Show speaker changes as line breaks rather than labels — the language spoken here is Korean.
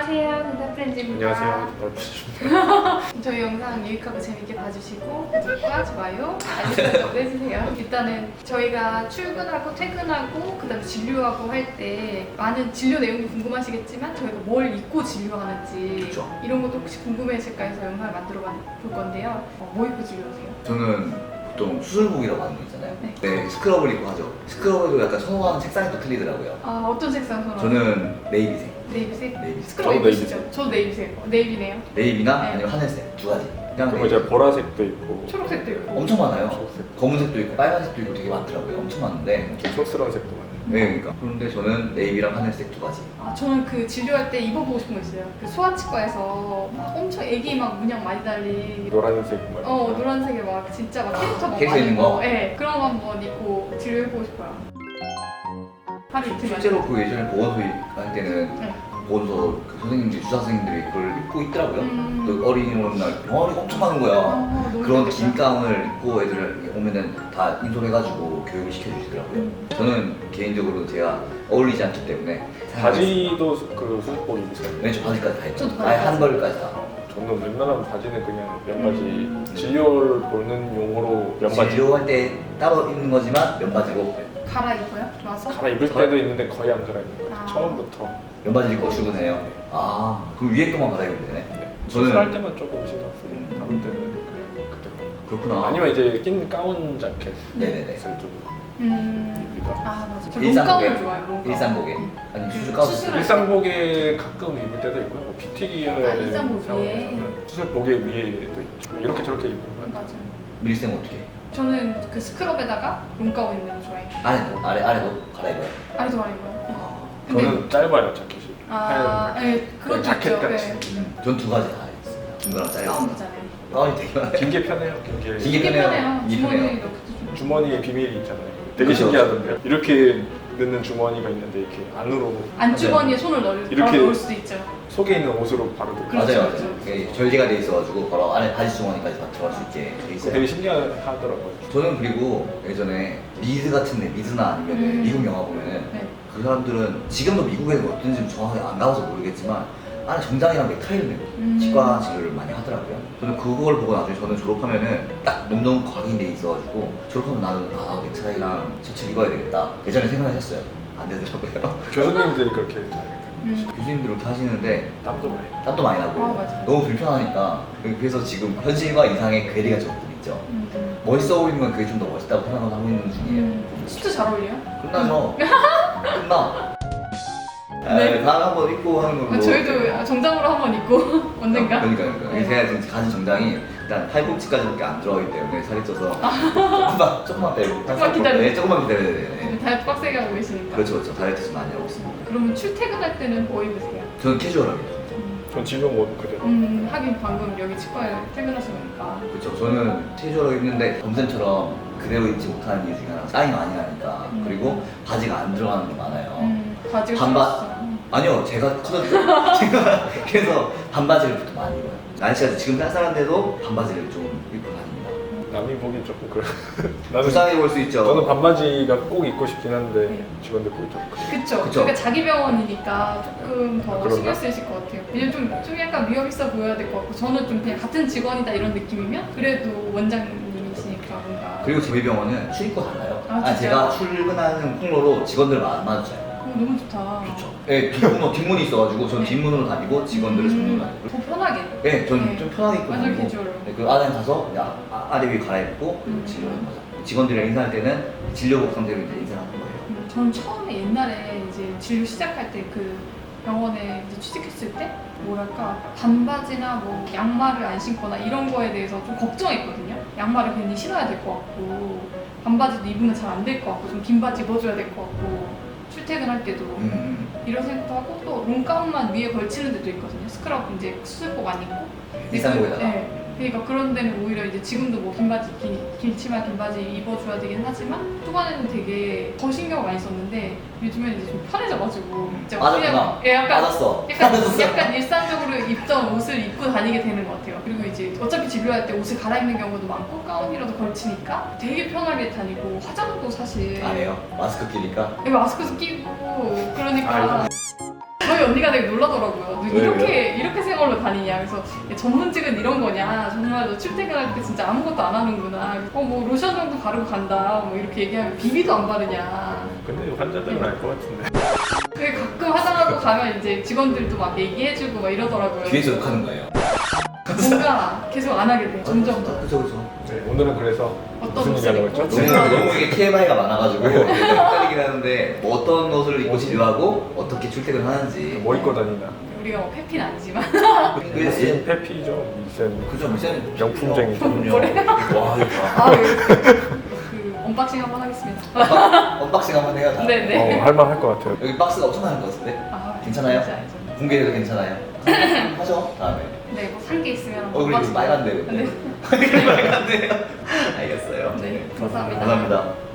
안녕하세요, 근다 프렌즈입니다.
안녕하세요.
저희 영상 유익하고 재밌게 봐주시고 구독과 좋아요, 알림 설정도 해주세요. 일단은 저희가 출근하고 퇴근하고 그다음에 진료하고 할 때 많은 진료 내용도 궁금하시겠지만 저희가 뭘 입고 진료하는지
그쵸.
이런 것도 혹시 궁금해하실까 해서 영상을 만들어 볼 건데요. 뭐 입고 진료하세요?
저는 보통 수술복이라고 하는 거 있잖아요.
네.
네, 스크럽을 입고 하죠. 스크럽에도 약간 선호하는 색상이 또 틀리더라고요.
아, 어떤 색상 선호하세요?
저는 네이비색.
네이비색?
네이비색.
스크럽
저도
입으시죠? 저도 네이비색. 네이비네요.
네이비나
네.
아니면 하늘색 두 가지. 그냥
그리고 이제 보라색도 있고
초록색도 있고.
엄청 많아요.
초록색,
검은색도 있고 빨간색도 있고 되게 많더라고요. 엄청 많은데.
좀 촌스러운 색도 많아요.
네, 그러니까. 그런데 저는 네이비랑 하늘색 두 가지.
아, 저는 그 진료할 때 입어보고 싶은 거 있어요. 그 소아치과에서 막 엄청 애기 막 문양 많이 달린
노란색 뭐
노란색에 막 진짜 막 캐릭터 막
캐릭터
많이
있는 거?
있고, 네, 그런 거 한번 입고 진료해보고 싶어요. 하루 이틀
실제로 그 예전에 보건소 할 때는
네.
보건소 그 선생님들이 주사 선생님들이 그걸 입고 있더라고요.
음.
또 어린이날 병아리가 엄청 많은 거야.
너무
그런
좋겠다.
긴 가운을 입고 애들 오면은 다 인솔해가지고 교육을 시켜주시더라고요. 저는 개인적으로 제가 어울리지 않기 때문에
바지도 그 수술복 입으세요?
왼쪽 바지까지 다 했죠.
저도
아예 한
바지까지.
벌까지 다.
저는 웬만하면 바지는 그냥 면바지 진료를 보는 용어로 면바지
진료할 때 따로 입는 거지만 면바지로
갈아입어요? 와서?
갈아입을 때도 있는데 거의 안 갈아입는 거예요.
아.
처음부터.
면바지 입고 출근해요. 아 그럼 위에 것만 갈아입으면 되네.
네.
저는-
수술할 때만 조금 신경 쓰고 다른 때는 그냥 그때.
그렇구나.
아니면 이제 낀 가운 자켓을
네네네.
좀
아, 맞아. 저
일상복에.
롱가운 좋아해요, 롱가운.
일상복에
응.
아니 수술
수술할
가운.
때.
일상복에 가끔 입을 때도 있고요. 뭐 PT 기능을
아, 일상복 위에?
수술복에 위에도 있죠. 이렇게 저렇게 입는 거예요.
맞아요.
밀생 어떻게? 해?
저는 그 스크럽에다가 롱가운 입는 거 좋아해요.
아래도 갈아입어요.
아니, 좋아해요.
아,
근데-
저는 짧아요 자켓이.
아,
하얀
네, 그것도
자켓
있죠.
같이.
네.
전 두 가지 다 했습니다. 중간랑 짧은
가운
거.
있잖아요.
가운이 되게 많아요.
긴 게 편해요. 긴 게.
이게
이게
편해요.
편해요.
이게
주머니에
편해요.
넣기도 좀.
주머니에 비밀이 있잖아요. 되게
그렇죠.
신기하던데요. 이렇게 넣는 주머니가 있는데 이렇게 안으로
안주머니에 손을
이렇게-
넣을 수도 있죠.
속에 있는 옷으로 바로 넣고.
그렇죠,
맞아요,
그렇죠.
맞아요. 이게 절개가 돼 있어가지고 바로 안에 바지 주머니까지 다 들어갈 수 있게 돼 있어요.
되게 신기하더라고요.
저는 그리고 예전에 미드 같은데 미드나 아니면 미국 영화 보면은
네.
그 사람들은 지금도 미국에는 어떤지 정확하게 안 가봐서 모르겠지만 안에 정장이랑 넥타이를 메고 치과 진료를 많이 하더라고요. 저는 그걸 보고 나중에 저는 졸업하면은 딱 몸통 각인돼 있어가지고 졸업하면 나는 넥타이랑 셔츠 입어야 되겠다. 예전에 생각을 했어요. 안 되더라고요.
교수님들이 그렇게
교수님들 그렇게 하시는데
땀도 많이.
땀도 많이 나고
아, 맞아요.
너무 불편하니까 그래서 지금 현실과 이상의 괴리가 조금 있죠. 멋있어 보이는 건 그게 좀 더 멋있다고 생각을 하고 있는 중이에요.
수트 잘 어울려요?
끝나죠. 끝나.
네.
다음에 한번 입고 하는 걸로.
저희도 정장으로 한번 입고 언젠가.
그러니까
네.
제가 지금 가진 정장이 일단 팔꿈치까지밖에 안 들어가기 때문에 살이 쪄서 조금만 빼고
조금만 기다려.
네, 조금만 기다려야 돼요. 네.
다이어트 빡세게 하고 계시니까.
그렇죠. 다이어트 좀 많이 하고 있습니다.
그러면 출퇴근할 때는 뭐 입으세요?
저는 캐주얼하게.
전 진료 못 그대로.
하긴 방금 여기 치과에 퇴근하시니까.
그렇죠. 저는 캐주얼하게 입는데 검쌤처럼 그대로 입지 못하는 이유 중에 하나 땀이 많이 나니까 그리고 바지가 안 들어가는 게 많아요.
바지가
반바-
줄었어.
아니요, 제가 커졌죠. 제가 그래서 반바지를 보통 많이 입어요. 날씨가 지금 쌀쌀한데도 반바지를 좀 입고 다닙니다.
남이 보기 조금 그래. 나는
불쌍해 보일 수 있죠.
저는 반바지가 꼭 입고 싶긴 한데
네.
직원들 보기 좀 그래.
그쵸.
그쵸.
그러니까 자기 병원이니까 조금 더
그런가?
신경 쓰이실 것 같아요. 왜냐면 좀 약간 위험 있어 보여야 될 것 같고, 저는 좀 그냥 같은 직원이다 이런 느낌이면 그래도 원장님이시니까 뭔가.
그리고 저희 병원은 출입구 달라요.
아, 진짜요?
제가 출근하는 통로로 직원들 안 마주쳐요.
너무 좋다.
좋죠. 네, 뒷문이 있어가지고 전
네.
뒷문으로 다니고 직원들은 정문으로 다니고.
더 편하게.
네, 전
네.
좀 편하게 입고
완전
다니고.
캐주얼로.
네, 그 안에 가서 그냥 아래 위 갈아입고 진료하는 거죠. 직원들이랑 인사할 때는 진료복 상태로 이제 인사를 하는 거예요.
전 처음에 옛날에 이제 진료 시작할 때 그 병원에 이제 취직했을 때 뭐랄까 반바지나 뭐 양말을 안 신거나 이런 거에 대해서 좀 걱정했거든요. 양말을 괜히 신어야 될 것 같고 반바지도 입으면 잘 안 될 것 같고 좀 긴 바지 입어줘야 될 것 같고 출퇴근할 때도 이런 생각도 하고 또 롱가운만 위에 걸치는 데도 있거든요. 스크럽 이제 수술복 안 입고.
일상복에다가.
네. 그러니까 그런 데는 오히려 이제 지금도 뭐 긴 바지, 길치마 긴 바지 입어줘야 되긴 하지만 초반에는 되게 더 신경 많이 썼는데 요즘에는 이제 좀 편해져가지고 진짜
맞았구나.
예, 약간
맞았어.
약간 일상적으로 입던 옷을 입고 다니게 되는 것 같아요. 그리고 이제 어차피 진료할 때 옷을 갈아입는 경우도 많고 가운이라도 걸치니까 되게 편하게 다니고 화장도 사실
안 해요. 마스크 끼니까.
마스크도 끼고 그러니까 저희 언니가 되게 놀라더라고요. 너
네,
이렇게 생얼로 다니냐. 그래서 야, 전문직은 이런 거냐. 정말 너 출퇴근할 때 진짜 아무것도 안 하는구나. 뭐 로션 정도 바르고 간다. 뭐 이렇게 얘기하면 비비도 안 바르냐.
근데 환자들은 알 것 같은데.
그게 가끔 화장하고 가면 이제 직원들도 막 얘기해주고 막 이러더라고요.
뒤에서 욕하는 거예요.
뭔가 계속 안 하게 돼. 점점 더.
그죠 그죠.
네, 오늘은 그래서
어떤
무슨 얘기 하려고
옷을
했죠?
입고?
너무 이게 TMI가 많아가지고 헷갈리긴 하는데 뭐 어떤 옷을 입고 진료하고 어떻게 출퇴근하는지
뭐 입고 다니나.
우리가 뭐 페피는 아니지만
미센 페피죠. 미센
그죠 미센
명품쟁이.
그럼요. 와 이거
아, 그 언박싱 한번 하겠습니다.
언박싱 한번 해요. 다.
네네.
할만할 것 같아요.
여기 박스가 엄청 많은 것 같은데
아,
괜찮아요?
진짜 알죠.
공개해도 괜찮아요? 하죠 다음에.
네, 뭐 산 게 있으면
얼굴이
언박싱.
빨간데 근데.
네.
빨간데요. 알겠어요.
네, 감사합니다.
감사합니다.